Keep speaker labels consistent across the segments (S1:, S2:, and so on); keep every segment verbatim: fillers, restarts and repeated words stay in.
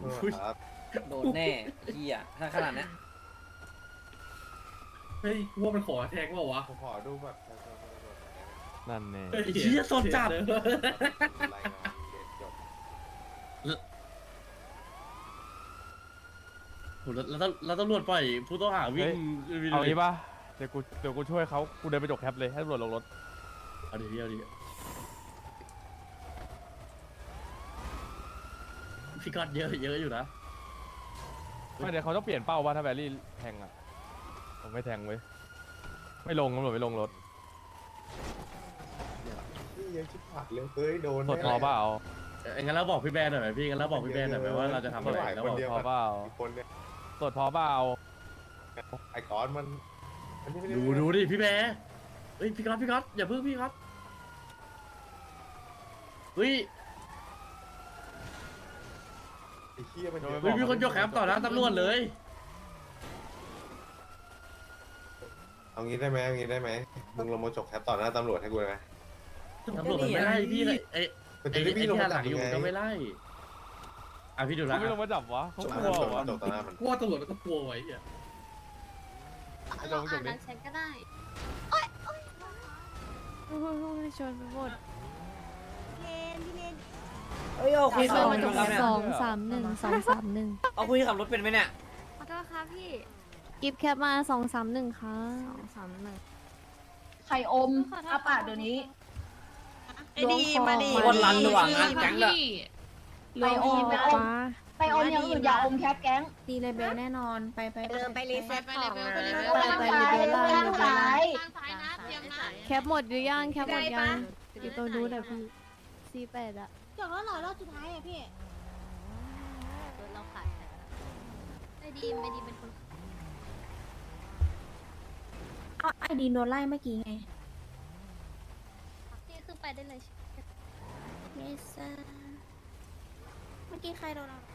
S1: ครับ
S2: โดนแน่เฮียถ้าขนาดนี้
S3: เฮ้ยว่ามันขอแทงว่าวะ
S1: ผมขอดูแบบประชาชนตำรวจหน่อยได้ไหม
S4: นั่นแน่
S3: เฮ้ย
S5: ไอ้เหี้ยสดจัด
S1: รายงานเคสจบ
S5: โหแล้วแล้วแล้วตำรวจปล่อยผู้ต้องหาวิ่ง
S4: เอางี้ป่ะเดี๋ยวกูเดี๋ยวกูช่วยเขากูเดินไปจกแคปเลยให้ตำรวจลงรถ
S5: เอาดิเอาดิพี่ก๊อตเยอะเยอะอยู่นะ
S4: ไม่เดี๋ยวเขาต้องเปลี่ยนเป้าป่ะถ้าแบรี่แทงอ่ะผมไม่แทงเว้ยไม่ลงตำรวจไม่ลงรถ
S1: นี่ยังชิบหายเลยเฮ้ยโดน
S4: สดพอเปล่า
S5: เอ้ยงั้นเราบอกพี่แบนหน่อยไหมพี่งั้นเราบอกพี่แบนหน่อยไหมว่าเราจะทำอะไรแล้วบอก
S4: พอเปล่า
S1: อีกคนเนี่ย
S4: สดพอเปล่า
S1: ไอ้ก้อนมันมันนี่ไม่ไ
S5: ดูดูดิพี่แบนเฮ้ยพี่ก๊อตพี่ก๊อตอย่าเพิ่งพี่ก๊อตเฮ้ย
S1: ไอ้เหี้ยมันเยอะ
S5: เฮ้ยมีคนยกแคมป์ต่อหน้าตำรวจเลย
S1: เอางี้ได้ไหมเอางี้ได้ไหมมึงลงมาจกแคปต่อหน้าตำรวจให้กูเลยไหม
S5: ตำรวจมันไม่ไล่พี่เลยไอ้
S1: มัน
S5: ไอ้
S1: จะได้
S5: ไอ้
S1: พี่
S5: ที่
S1: ลง
S5: หั
S1: มาน
S5: ห
S1: จั
S5: ลั
S1: บ
S5: งอยู่
S1: ไง
S5: ก็ไม่ไล่อ่ะพี่ดู
S4: เขา
S5: ละ
S4: ไม่ลงมาจับวะเขา
S1: จก
S4: กลัว
S1: จก
S4: วะ
S1: จกต่อหน้ามัน
S3: ว่าตำรวจมันก็กลัวไว้อ่ะ
S6: เราอ่านนั้นฉันก็ได้
S7: โอ้ยชนไปหมด
S2: เอ้ยเอาคุย
S7: ส
S2: ขับ
S7: อง
S2: รถเป็นไหมครับเนี่ย
S7: สองสามหนึ่งสองสามหนึ่ง
S2: เอาคุยขับรถเป็นไหมเนี่ย
S6: ขอโทษครับพี่
S7: กิฟต์แคปมาสองสามหนึ่งค่ะ
S6: สองสามหนึ่ง
S8: ไข่อมอาปากเดี๋ยวนี้
S7: ไอ้ดีมาดี
S2: วันรันระหว่างงานแก๊งเลย
S7: ลงออกมา
S8: ไปอมอย่างอื่นอย่าอมแคปแก๊ง
S7: ตีเลเบลแน่นอนไปไป
S6: เออไปรีเซ็ตของนะ
S7: ไป
S8: ข้าง
S7: ไป
S8: ซ้าย
S7: เลเบลล่าง
S8: ข้าง
S7: เลเบล
S8: ซ้า
S7: ล่าง
S8: ย
S7: แคปหมดหรือยังแคปหมดยังอยู่ตัวนู้นอะพี่ซีแปดอะ
S8: จบแล้วเหรอรอบสุดท้ายอ่ะพี่
S6: รถเราขาดไม่ดีไม่ดีเป็นคน
S8: อ้าวไอดีโดนไล่เมื่อกี้ไง
S6: นี่คือไปได้เลย
S8: เมซ่าเมื่อกี้ใครโดนเรา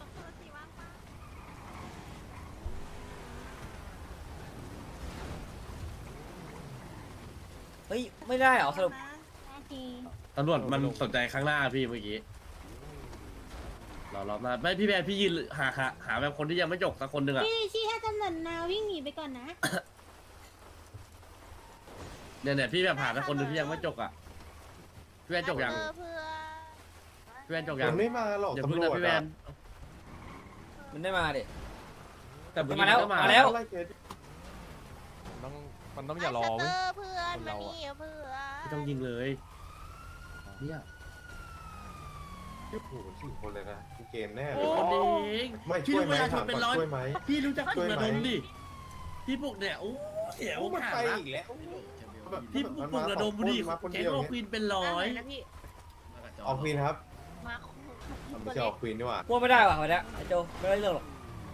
S2: เฮ้ยไม่ได้เหรอสรุป
S5: ตำรวจมันสนใจข้างหน้าพี่เมื่อกี้รอรอบหน้าไม่พี่แบนพี่ยืนหาหาหาแบบคนที่ยังไม่จกสักคนหนึ่งอ่ะ
S8: พี่ชี้ให้ตำรวจนาวิ่งหนีไปก่อนนะ
S5: เนี่ยเนี่ยพี่แบบหาสักคนหนึ่งที่ยังไม่จกอ่ะพี่แบนจกยังพี่แบนจกยั
S1: มั
S5: ง
S1: นไม่มาหรอก
S5: อย่าเพิ่ง
S1: ตำร
S5: นะ
S1: วจ
S5: พี่แบ
S1: อะ
S5: น
S2: มันได้มาดิ
S5: แต่เอกี้
S2: มาแล้ว
S5: ก็
S2: มาแล้ว
S1: ไเคส
S4: มันต้องมันต้องอย่ารอเว้ยคนเราอะ
S5: ไม่ต้องยิงเลยเนี่ย
S1: โอ้โหสี่คนเลยนะกูเกณฑ์แน่เล
S5: โอ้
S1: ย
S5: คนเอง
S1: ไม่
S5: พี่
S1: ช่วยไหม
S5: เวลาช
S1: ถาน ม
S5: เป็น
S1: ก่อน
S5: ร้อย
S1: ช่วยไหม
S5: พี่รู้จัก
S1: ช่
S5: ฝึ
S1: วย
S5: ก
S1: ไหม
S5: ระดมดิพี่พวกเนี่ยโอ้เสียว
S1: โอ้มัน
S5: ขา
S1: ไป
S5: ดละ
S1: อีกแล้ว
S5: พี่พวกฝึกระดมดิ
S1: มาคน
S5: แก๊
S1: เดี
S5: ง
S1: ยว
S5: โล
S1: เนี่ย
S5: ควินเป็นร้อย
S1: ออกควีนครับไม่ใช่ออกควีนดีกว่า
S2: พวกไม่ได้ว่ะวันเนี้ยไอ้โจไม่ได้เรื่องหรอก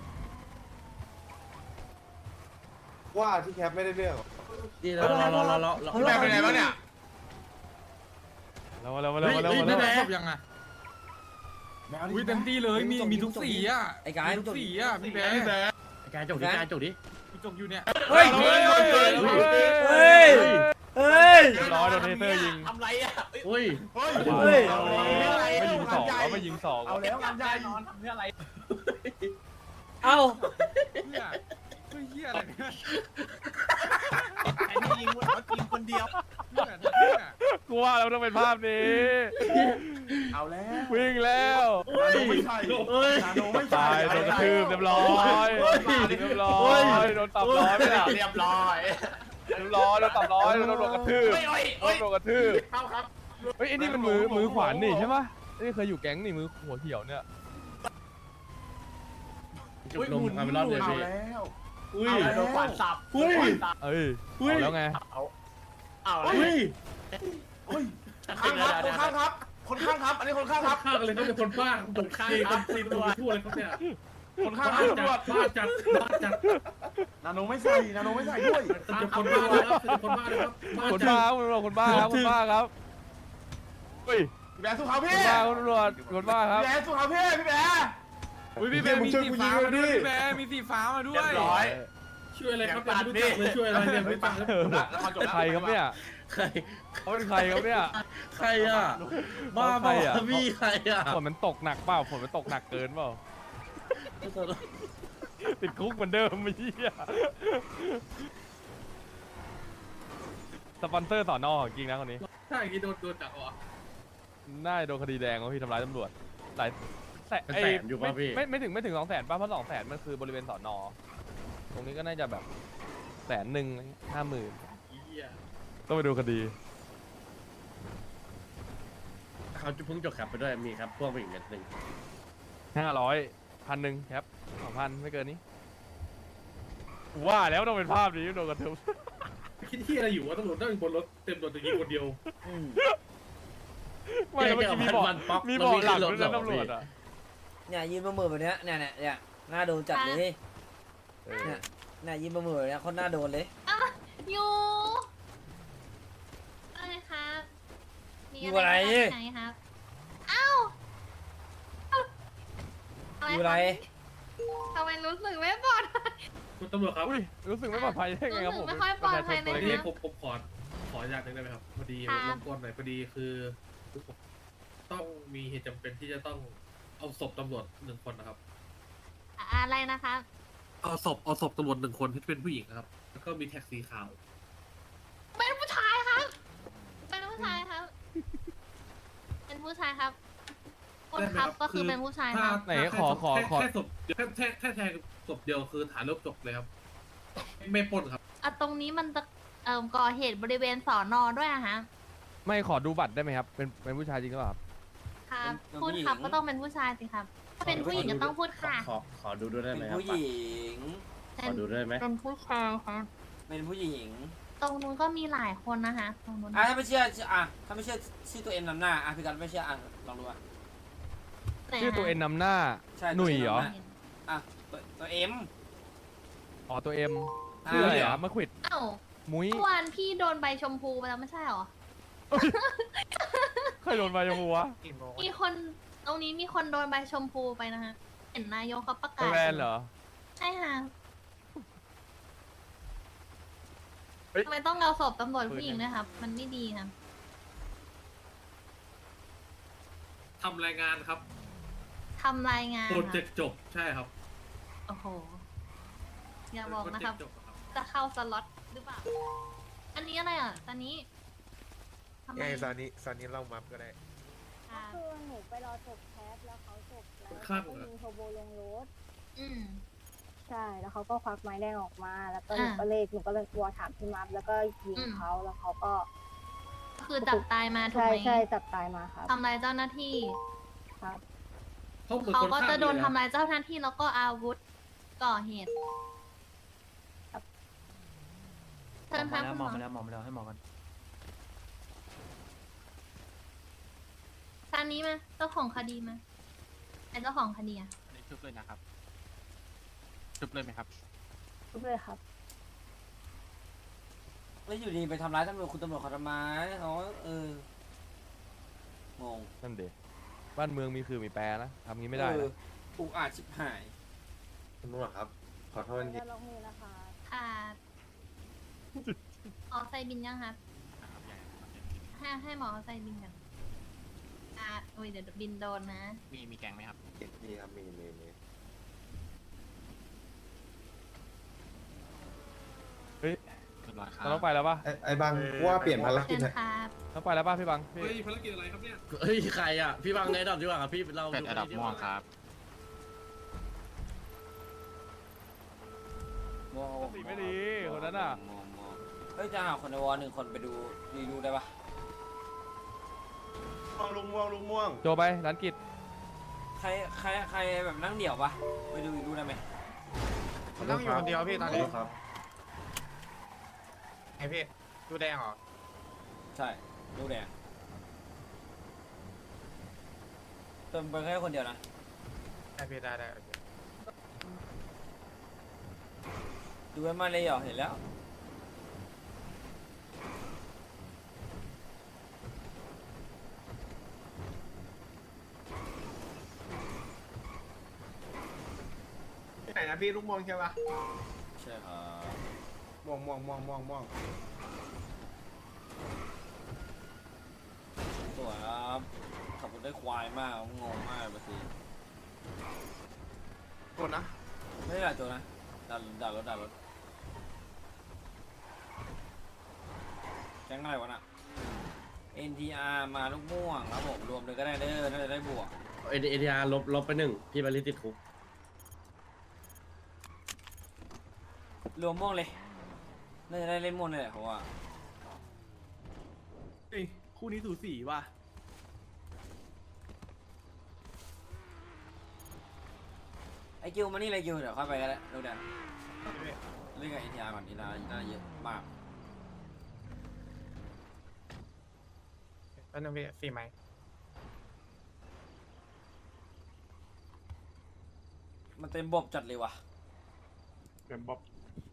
S1: ว่าที่แคปไม่ได้เรื่อง
S5: นี่รอรอรอรอรอรอ
S2: พี่แบนเป็นไงบ้างเนี่ย
S4: แล้วมาแล้วมาแล้วมาแล้ว
S5: เฮ้ย
S4: มา
S5: เฮ้ย
S4: แล้ว
S5: พี่แบน
S9: ยังไงอุ้ยเต็มที่เลยมีมีทุกสีอ่ะ
S2: ไอ้กาย
S9: มีทุกสีอ่ะพี่แบร์
S5: ไอ้การจกดิการจกดิ
S9: พี่จกอยู่เนี่ย
S2: เฮ้ย
S4: เฮ้ย
S2: เฮ้ยเฮ้ย
S4: ร้อยโดนเทเตอร์ยิง
S5: เฮ้ย
S2: เฮ้ย
S4: ไม่ยิงสองเขาไม่ยิงสอง
S9: เอาแล้วงานใหญ่นอนทำเพื่ออะไร
S2: เอ้า
S9: เพื่อเพื่อเฮียอะไรเนี่ยไอ้นี่ยิงคนเขากินคนเดียวเพื่อเพื่อ
S4: กูว่าแล้วต้องเป็นภาพนี้
S9: เอาแล้ว
S4: วิ่งแล้ว
S9: นาโนไม่ใช่
S5: เฮ้ย
S9: นาโนไม่ใช่
S4: ตายโดนกระทืบเรียบร้อยเรียบร้อยโดนตับร้อยไปแล้ว
S9: เรียบร้อย
S4: เรียบร้อยโดนตับร้อยโดนโดนกระทืบโดนโดนกระทืบ
S9: เข้าครับ
S4: เฮ้ยไอ้นี่มันมือมือขวานนี่ใช่ปะนี่เคยอยู่แก๊งนี่มือหัวเขียวเนี่ย
S5: จุกนมความเป็นรอดเลย
S9: เอา
S5: พี่
S9: แล้ว
S5: อุ้ย
S9: โดนขวานสับ
S5: อุ้ย
S4: เอ้ยเอาแล้วไง
S9: เอาแล้ว
S5: อุ้ย
S9: ข้างครับคนข้างครับ คนข้างครับ อันนี้คนข้างครับ
S3: ข้างเลยเขาเป็นคนบ้าคนข้างคนตีตัวทั่วเลยเขาเนี่ย
S9: คนข้างค
S3: บ้า
S9: รับตำรวจ
S3: จัดบ้าจัดบ้าจัด
S9: นาโนไม่ใส่นาโนไม่ใส่ด้วย
S3: เป็นคนบ้าเลยครับเป็นคนบ้าเลยครับบ้า
S4: คน
S3: จั
S4: บ้า
S3: ด
S4: คุณตำรวจคนบ้าครับคนบ้าครับเฮ้ย
S9: พี่แบร์สู้เขา
S4: ค
S9: พี่
S4: นบ้าคุณตำรวจคนบ้าครับ
S9: พี่แบร์สู้เขาพี่พี่แบร์ อุ้ยพี่แบร์มีสีฟ้ามาด้วยพี่แบร์มีสีฟ้ามาด้วยเรียบร้อย
S3: ช่วยอะไรครับเป็นรู้จักเลยช่วยอะไรเนี่ยไม่ฟังแล้ว
S4: เออใครครับเนี่ย
S5: ใคร
S4: เขาเป็นใครครับเนี่ย
S5: ใครอ่ะบ้า
S4: ใคร
S5: บ้า
S4: อะ
S5: พี่ใครอ่ะ
S4: ฝนมันตกหนักเปล่าฝนมันตกหนักเกินเปล่าติดคุกเหมือนเดิมไอ้เหี้ยสปอนเซอร์สอนอจริงนะคนนี้
S3: ถ้าอย่างนี้โดนโดนจับเหรอ
S4: น่าจะโดนคดีแดงว่าพี่ทำร้ายตำรวจหลายแสน
S5: เป็น
S4: เอ้
S5: แส
S4: ย
S5: นอยู่ป่ะพี่
S4: ไม่ไม่ถึงไม่ถึงสองแสนป่ะเพราะสองแสนมันคือบริเวณสอนอตรงนี้ก็น่าจะแบบแสนหนึ่งห้าหมื่น
S3: เหี้ย
S4: ต้องไปดูคดี
S5: เขาจะเพิ่งจบแคปไปด้วยมีครับพ่วงไปอีกเม็ดหนึ่ง
S4: ห้าร้อยพันหนึ่งครับสองพันไม่เกินนี้ว่าแล้วต้องเป็นภาพนี้โดนกระทืบ
S3: คิดที่อะไรอยู่วะตำรวจนั่งบนรถเต็มรถอย่างนี้คนเดียว
S4: ไม่แล้วเมื่อกี้มีเบอก
S5: มันป๊อก
S4: มีเบอกหลัง
S5: แล้ว
S4: ด้วย
S5: วิ่
S4: นะ
S5: งขึ้นรถ
S4: ตำรวจอ่ะ
S10: เนี่ยยืนประมือแบบเนี้ยเนี่ยเนี่ยเนี่ยหน้าโดนจัดเลย
S4: เออ
S10: เนี่ยเนี่ยยืนประมือแบบเนี้ยคนหน้าโดนเลย
S6: อยู่อะไรครับมี
S10: อยู่อะไร
S6: ไหนครับเอ้า
S10: อยู่อะไร
S6: ทำไมรู้สึกไม่ปลอดภัย
S3: คุณตำรวจครับ
S4: อุ้ยรู้สึกไม่ปลอดภัยได้ไงครับ
S6: รู้
S4: ผ
S6: สึ
S4: ม
S6: กไม่ค่อยปลอดภัย
S4: ประชาชนตัว
S6: เลย
S3: ที
S4: เล็
S3: นี้
S4: ก
S3: ผมผมขอขออนุญาตหนึ่งได้ไหมครับพอดี
S6: ค่ะ
S3: รบกวนหน่อยพอดีคือคือผมต้องมีเหตุจำเป็นที่จะต้องเอาศพตำรวจหนึ่งคนนะครับ
S6: อะไรนะคะ
S3: เอาศพเอาศพตำรวจหนึ่งคนที่เป็นผู้หญิงนะครับ แล้วก็มีแท็กสีขาว
S6: เป็นผู้ชายครับ เป็นผู้ชายครับ เป็นผู้ชายครับคนครับก็คือเป็นผู้ชายครับ
S4: ไหนขอขอขอ
S3: แค่ศพแค่แค่แค่แทงศพเดียวคือฐานเริ่มจบเลยครับ ไม่ปล้นครับ
S6: อ่ะตรงนี้มันจะเอ่อก่อเหตุบริเวณสอนอด้วยอะฮะ
S4: ไม่ขอดูบัตรได้ไหมครับ เป็นเป็นผู้ชายจริงหรือเปล่าครับ
S6: ครับ
S10: เป็น
S6: พูด
S10: ผู้หญิง
S6: ครับก็ต้องเป็นผู้ชายสิครับ ถ้าเป็นผู้หญิงก็ต้องพูดค่ะ
S5: ขอขอดูด้วยได้
S10: เป็
S5: ไหม
S10: น
S5: ครับ
S10: ผู้หญิง
S5: ขอดูด้วยไหม
S6: เป็นผู้ชายครับ
S10: เป็นผู้หญิง
S6: ตรงนู้นก็มีหลายคนนะคะตรงนู้น
S10: อ่ะถ้าไม่เชื่ออ่ะถ้าไม่เชื่อชื่อตัวเอ็มนำหน้าอ่ะพี่กันไม่เชื่ออ่ะลองดูอ่ะ
S6: ไหน
S4: ชื่อตัวเอ็นนำหน้า
S10: ใช่
S4: หนุ่ยเหรอ
S10: ตัว M อ่ะตัวตัวเอ็ม
S4: อ๋อตัวเอ็ม
S10: อ่า
S4: ชื่ออะไรอ่ะมะขวิด
S6: เอ้า
S4: มุ้ย
S6: เมื่อวานพี่โดนใบชมพูไปแล้วไม่ใช่เหรอ
S4: เคยโดนไปยังหัว
S6: มีคนตรงนี้มีคนโดนใบชมพูไปนะคะเห็นนายกเขาประ
S4: ไป
S6: กาศ
S4: แวนเหรอ
S6: ใช่ค่ะ
S4: เฮ้ย
S6: ทำไมต้องเอาศพตำรวจผู้หญิงด้วยครับ มันไม่ดีครับ
S3: ทำรายงานครับ
S6: ทำรายงาน
S3: โปร
S6: ค่ะ
S3: เจกต์จบใช่ครับ
S6: โอ้โห อย่าบอก
S3: โปร
S6: นะ
S3: เจ
S6: ค
S3: ก
S6: รับ
S3: ต์จบครับ
S6: จะเข้าสล็อตหรือเปล่า อันนี้อะไรอ่ะ ตอนนี้ทำไม
S1: ไงซานี้ซานี้เล่ามัฟก็ได้
S6: อ่า
S7: คือหนูไปรอจบแคสแล้วเขาจบแล้ว
S3: ข้าง
S7: ก็
S3: เหรอ
S7: ยิงโทโบลงรถ
S6: อืม
S7: ใช่แล้วเขาก็ควักไม้แดงออกมา แล้วก็หนู
S6: อ่า
S7: ก็เลยหนูก็เลยวอถามพี่มัฟแล้วก็ยิง
S6: อืม
S7: เขาแล้วเขาก็
S6: คือจับตายมาถูก
S7: ใช่
S6: ไหม
S7: ใช่จับตายมาครับ
S6: ทำลายเจ้าหน้าที่
S7: ครับ
S3: เขาเหมือน
S6: เขา
S3: คน
S6: ก็
S3: ฆ่า
S6: จะโดน
S3: เลย
S6: ทำลายเจ้าหน้าที่แล้วก็อาวุธก่อเหตุเชิญครับคุณหมอ
S9: มาแล้วมองมาแล้วให้มองกัน
S6: ทางนี้มาเจ้าของคดีมาไอ้เจ้าของคดีอะ
S9: อันนี้ชุบเลยนะครับชุบเลยไหมครับ
S7: ทุกเลยครับ
S10: แล้วอยู่ดีไปทำร้ายตำรวจคุณตำรวจเขาทำไมเขาเออ งง
S4: นั่นเด็บ้านเมืองมีคือมีแปรนะทำงี้ไม่ได้
S10: เออ
S4: นะ
S10: อุกอาจชิบหาย
S1: คุณตำรวจครับ ขอโทษจริง
S7: จะลงมือนะคะ
S6: ค่ะหมอใส่บินยังครับ ให้ให้หมอใส่บินกันอ่าโอ้ยเดี๋ยวบินโดนนะ
S9: มีมีแกงไหมครับ
S1: มีครับมีมีมี
S4: เฮ้ย
S9: เรียบร้อยครับ
S4: เราต้องไปแล้วป่ะ
S1: ไอ้ไอ้บางว่าเปลี่ยนภารกิ
S6: เชิ
S1: จ
S6: ญ
S1: เถอะ
S6: ครับ
S4: ต้องไปแล้วป่ะพี่บังพี่
S3: เฮ้ยภารกิจอะไรครับเนี่ย
S5: เฮ้ยใครอ่ะพี่บังไงดอกดีกว่าครับพี่เรา
S9: เป็ด
S5: ดู
S9: อันดับม่วงครับ
S10: งง
S4: สีไม่ดีคนนั้นอ่ะ
S10: งงงงเฮ้ยจะหาคนในวอลหนึ่งคนไปดูรีดูได้ปะ
S1: ม่วงลุงม่วงลุงม่วง
S4: โจไปร้านกิจ
S10: ใครใครใครแบบนั่งเดี่ยวปะไปดูรีดูได้ไหม
S9: นั่งอยู่คนเดียวพี่ตอนนี้
S1: ครับ
S9: ไอพี่ดูแดงเหรอ
S10: ใช่ดูแดงเติมไปแค่คนเดียวนะ
S9: ได้พี่ได้ได้
S10: ดูไว้มาเลยเหรอเห็นแล้ว
S9: ที่ไหนนะพี่ลูกม่วงใช่ปะ
S10: ใช่ครับ
S9: ม่วงม่วงม่วงม่วงม่วง
S10: สวยครับขับรถได้ควายมากงงมากบางที
S9: กดนะ
S10: ไม่ได้ด่าโจนะด่าด่ารถด่ารถแก๊งอะไรวะน่ะ เอ็น ที อาร์ มาลูกม่วงครับผมรวมเลยก็ได้เด้อน่าจะได้บวก
S5: เอเอทีอาร์ลบลบไปหนึ่งพี่บาริติดคุก
S10: รวมม่วงเลยน่าจะได้เล่นม่วงเลยแหละเพราะว่า
S9: เฮ้ยคู่นี้สูสีว่ะ
S10: ไอกิวมานี่เลยกิวเดี๋ยวเข้าไปก็ได้ดูเดี๋ยวเล่นกับ เอ็น ที อาร์ ก่อนอีลาน่าเยอะมาก
S9: แล้วนึงพี่สี่ไหม
S10: มันเต็มบบจัดเลยว่ะ
S4: เต็มบ๊อบ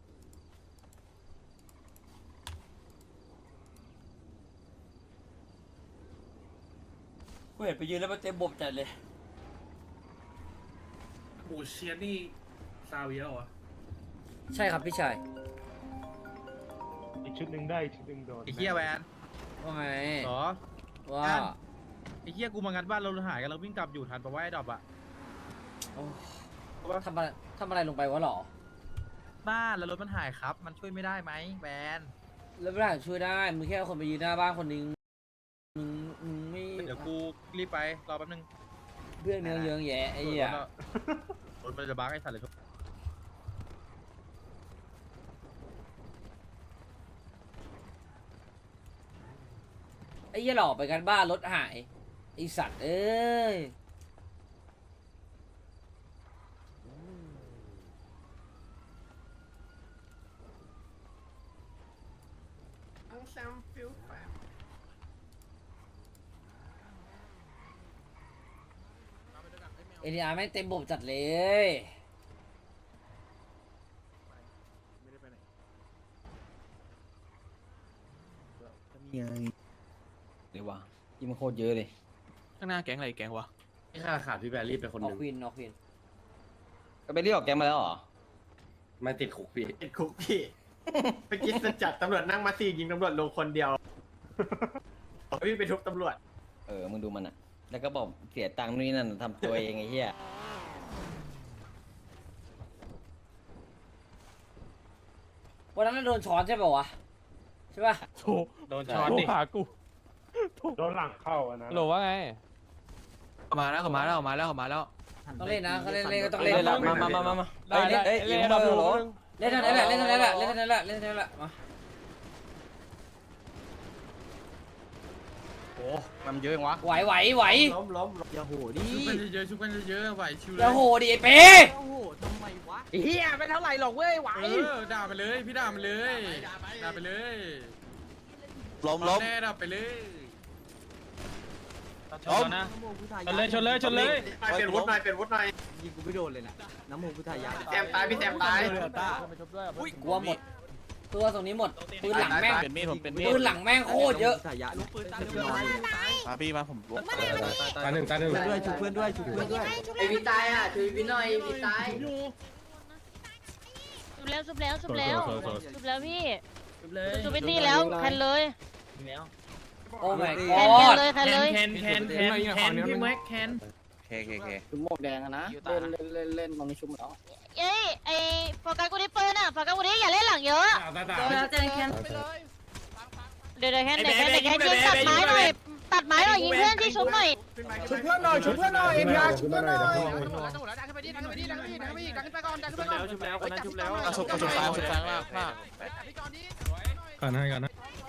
S10: กูเห็นไปยืนแล้วมันเต็มบบจัดเลย
S3: โอ้เชียร์นี่ซาเวียเหรอ
S10: ใช่ครับพี่ชาย
S4: อีกชุดหนึ่งได้อีกชุดหนึ่งโดน
S9: ไอ้เหี้ยแวน
S10: ว่าไง
S9: หรอ
S10: ว่า
S9: ไอ้เหี้ยกูมางัดบ้านเราหายกันเราวิ่งกลับอยู่ทันปะว่าไอ้ดอบอะ
S10: โอ้ทำอะไรทำอะไรลงไปวะหรอ
S9: บ้านแล้วรถมันหายครับ มันช่วยไม่ได้ไหมแวน
S10: แล้วไม่ได้ช่วยได้มึงแค่เอาคนไปยืนหน้าบ้านคนนึงมึงมึงไม่
S9: เดี๋ยวกูรีบไปรอแป๊บนึง
S10: เพื่อนเนื้อเยื้องแย่ไอ้เหี้ย
S9: รถมันจะบั๊กไอ้สัตว์เลยทุก
S10: ไอ้เหี้ยหลอกไปกันบ้านรถหายไอสัตว์เอ้ย เอ็น ที อาร์ แม่งเต็มบบจัดเลย
S11: เดี๋ยววะยิ่งมันโคตรเยอะเลย
S9: ข้างหน้าแก๊งอะไรแก๊งวะ
S5: ที่ขาดขาดพี่แบรี่ไปคน
S10: อ
S5: ห
S10: อก
S5: นึ่ง
S10: ควินออกควิน
S11: ก็ไปเรียกออกแกงมาแล้วเหรอ
S5: ไม่ติดคุกพี่
S9: ติดคุกพี่เมื่อกี้จะจัดตำรวจนั่งมาสี่ยิงตำรวจลงคนเดียววิ่งไปทุบตำรวจ
S11: เออ มึงดูมันอ่ะ แล้วก็บอกเสียตังค์นู่นนี่นั่นทำตัวเองไอ้เหี้ย
S10: วันนั้นนะโดนช้อนใช่ป่าวะใช่ป่ะ
S4: โถโดนช้อนดิหากูโดนหลังเข้าอันนั้นโหลว่าไง
S9: มาแล้วเขามาแล้วเขามาแล้วเขามาแล้ว
S10: ต้องเล่นนะเขาเล่นเล่นก็ต้อง
S11: เล่
S10: เล่
S11: น
S10: น
S11: ละมามามามามาเฮ้ยเล่นเอ้ยยิงมาเหรอ
S10: เล่นเท่านั้นแหละเล่นเท่านั้นแหละเล่นเท่านั้นแหละเล่นเท่านั้นแหละมา
S9: โอ้มันเยอะวะ
S10: ไหวไหวไหว
S9: ล้มล้มอย่าโหดิชุบกันเยอะๆชุบกันเยอะๆไหวชิวเลย
S10: อย่าโหดิไอ้เป้
S9: โอ้โหทำไมวะเฮียไม่เท่าไหร่หรอกเว้ยไหวเออด่าไปเลยพี่ด่าไปเลยด่าไปเลยล้มล้มแน่ด่าไปเลยชนนะชนเลยชนเลยชนเลยเป็นวุฒิหน่อยเป็นวุฒิหน่อย
S11: ยิงกูไม่โดนเลยนะน้ำมูกกูถ่ายยา
S9: แซมตายพี่แซมตาย
S10: กลัวหมดตัวตรงนี้หมดปืนหลังแม่ง
S9: เป็นมีดผมเป็นมีด
S10: ปืนหลังแม่งโคตรเยอะ
S11: ถ่ายยาลูกปืน
S9: มาพี่มาผม
S5: ตาหนึ่งตาหนึ่ง
S11: ด้วยชุบเพื่อนด้วยชุบเพื่อนด้วย
S10: ไอพี่ตายอ่ะช่วยพี่หน่อยพี่ตาย
S6: สุบแล้วสุบแล้วสุบแล้วสุบแล้วพี่
S10: เลย
S6: สุบไปนี่แล้วแคนเลย
S10: โอ้ my
S6: แคน
S10: god
S6: เลยแคนเลย
S9: แคนแคนแคนแคนพี่แม็กแคน
S11: เคเคเคชุบหมวกแดงอะนะเล่นเล่นเล่นเล่นตอนนี้ชุบแล้ว
S6: เอ้ยไอโฟกัสกูที่ปืนอ่ะโฟกัสกูที่อย่าเล่นหลังเยอะ
S5: ตาตา
S6: เดี๋ยวเดี๋ยวแคนเดี๋ยวแคนเดี๋ยวแคนยิงตัดไม้หน่อยตัดไม้หน่อยยิงเพื่อนที่ชุบหน่อย
S9: ชุบเพื่อนหน่อยชุบเพื่อนหน่อยเอ็นพีอาร์ชุบเพื่อนหน่อย
S4: ชุบแล้วคนนั้นชุบแล้ว
S9: ชุบชุบซ้ายชุบซ้ายมากมาก
S5: ก่อนให้ก่อนนะ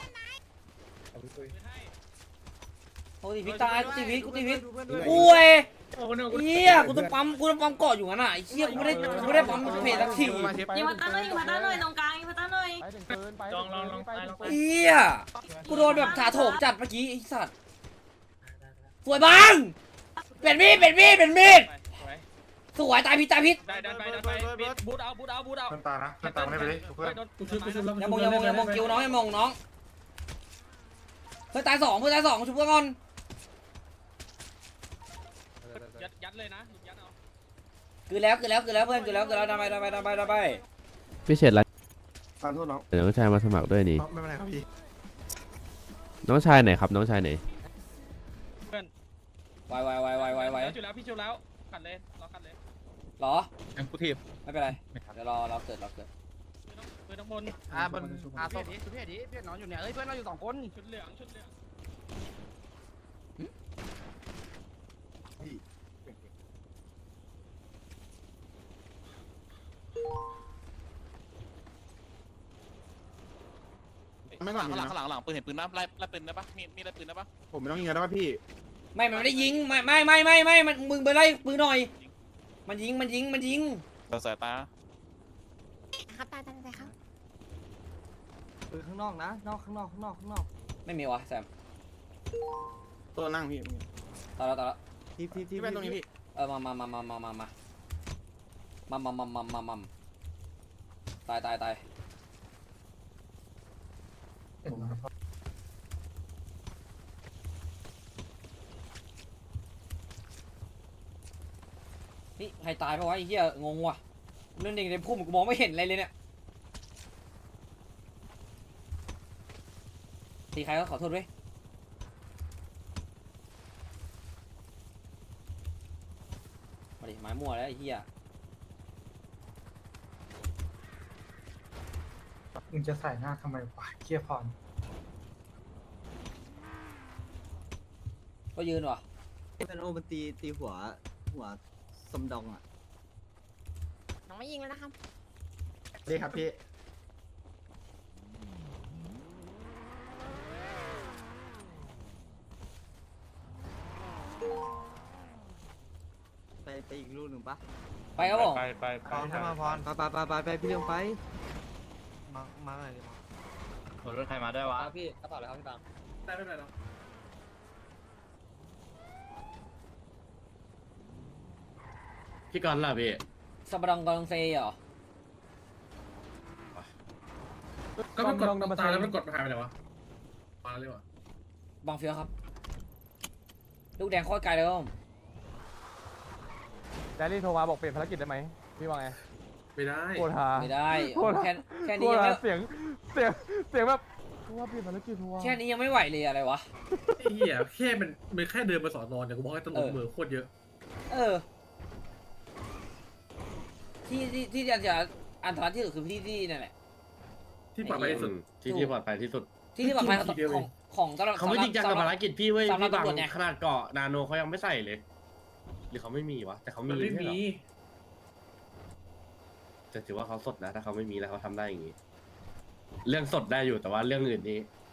S10: โอ้ยพี่ตายกูตีพิษกูตีพิษกูเอ้เฮียกูต้องปั๊มกูต้องปั๊มเกาะอยู่งั้นอ่ะไอ้เฮียกูไม่ได้กูไม่ได้ปั๊มเพจสักที
S6: ยิงมาตั้งหน่อยยิงมาตั้งหน่อยตรงกลางยิงมาตั้งหน่อย
S4: ไปถึงปืนไปลองลองลองไปลองไป
S10: เฮียกูโดนแบบถาโถมจัดเมื่อกี้ไอ้สัตว์สวยบังเป็นมีดเป็นมีดเป็นมีดสวยตายพิษตายพิษ
S4: ได้ได้ไปได้ไปบูทเอาบูทเอาบูทเอา
S1: ตานะตาไม่ไปดิเพื่อน
S3: กูชุบกูชุบแล้ว
S10: อย่ามองอย่ามองอย่ามองกิ้วน้องอย่ามองน้องเพื่อนตายสองเพื่อนตายสองชุบเพื่อนก่อน
S4: ยัดยัดเลยนะยัดเอา
S10: คือแล้วคือแล้วคือแล้วเพื่อนคือแล้วคือแล้วทำไปทำไปทำไปทำไป
S1: พี่เฉดไร
S11: ขอโทษน้อง
S1: เดี๋ยวน้องชายมาสมัครด้วยนี่
S9: ไม่เป็นไรครับพี่
S1: น้องชายไหนครับน้องชายไหน
S10: ไวไวไวไวไวไว
S4: จุดแล้วพี่จุดแล้วขัดเลยรอขัดเลย
S10: เหรอ
S11: ยังกูทีบ
S10: ไม่เป็นไรเดี๋ยวรอเราเกิดเราเกิด
S9: เพื่อนข้างบนอ่าบนอ่าศพดิเพื่อนดิเพื่อนนอนอยู่เนี่ยเอ้ยเพื่อนเราอยู่สองคนชุดเหลืองชุดเหลือง
S11: ไม่ก่อน
S9: ข้างหลัง
S11: นะ
S9: ข้างหลังข้างหลังปืนเห็นปืนนะไล่ไล่ปืนได้ปะมีมีไล่ปืนได้ปะ
S11: ผมไม่ต้องยิงแล้วป่ะพี่
S10: ไม่มันไม่ได้ยิงไม่ไม่ไม่ไม่ไม่มันมึงไปไล่ปืนหน่อย มันยิงมันยิงมันยิง
S9: เราสายตา
S8: ครับตายตายตายครับ
S9: ปืนข้างนอกนะนอกข้างนอกข้างนอกข้างนอก
S10: ไม่มีวะแซม
S11: ตัวนั่งพี่
S10: ตายแล้วตายแล้ว
S11: ที่ที่ที่เป็นตรงนี้พี่
S10: เออมามามามามามามามามามามามามาตายตายตายนี่ใครตายปะวะไอ้เหี้ยงงว่ะเรื่องเด็กในพุ่มกูมองไม่เห็นอะไรเลยเนี่ยตีใครก็ขอโทษด้วยมาดิไม้มั่วแล้วไอ้เหี้ย
S12: มึงจะใส่หน้าทำไมวะเคียพร
S10: ก็ยืนว่ะ
S11: เป็นโอมันตีตีหัวหัวสมดองอ่ะ
S8: น้องไม่ยิงแล้วนะครับ
S11: ดีครับพี่ไปไปอีกลูกหนึ่งปะ
S10: ไปครับผม
S4: ไปไปไป
S11: พรถ้ามาพรไปไปไปไปพี่เรื่องไปมามาหน่อยดิ
S9: รถใครมาด้วยวะ
S10: พี่กระเป๋าเลยครับพี่บาง
S3: ได้ไม่เป็นไรหรอก
S5: พี่กรณ์ล่ะพี่
S10: สับปะรดกองเซเหรอ
S3: ก็มันกดตายแล้วมันกดหายไปไหนวะมาเลยวะ
S10: บางเฟียวครับ ลูกแดงโคตรไกลเลยครับผม
S4: แดรี่โทรมาบอกเปลี่ยนภารกิจได้ไหมพี่ว่าไง
S3: ไม่ได้
S4: โคตรฮา
S10: ไม่ได้
S4: โคตร
S10: แค่แค่
S4: โค
S10: นี้
S4: ตร
S10: ยัง
S4: ฮา
S10: ไม่
S4: เสียงเสียงเสียงแบบโทรมาเปลี่ยนภารกิจโทรมา
S10: แค่นี้ยังไม่ไหวเลยอะไรวะ
S3: ไอ้เหี้ยแค่มันมันแค่เดินมาสอนนอนเนี่ยกูบอกให้ตำรวจมือโคตรเยอะ
S10: เออ ที่ที่ที่จะจะอันตรายที่สุดคือที่ที่นั่นแหละ
S3: ที่ปลอดภัยที่สุด
S5: ที่ที่ปลอดภัยที่สุด
S10: ที่ที่ปลอดภัยของ
S3: ทีเดียว
S10: ข
S3: เอ
S10: อง งของตลอด
S5: เขาไม่จริงจังกับภารกิจพี่เว้ย
S10: สำหรับ
S5: พี่บาง
S10: ตำรวจไง
S5: ขนาดเกาะนาโนเขายังไม่ใส่เลย หรือเขาไม่มีวะแต่เขามี
S3: มันไม่
S5: ใช่เหร
S3: มี
S5: อจะถือว่าเขาสดนะถ้าเขาไม่มีแล้วเขาทำได้อย่างนี้ เรื่องสดได้อยู่แต่ว่าเรื่องอื่นนี้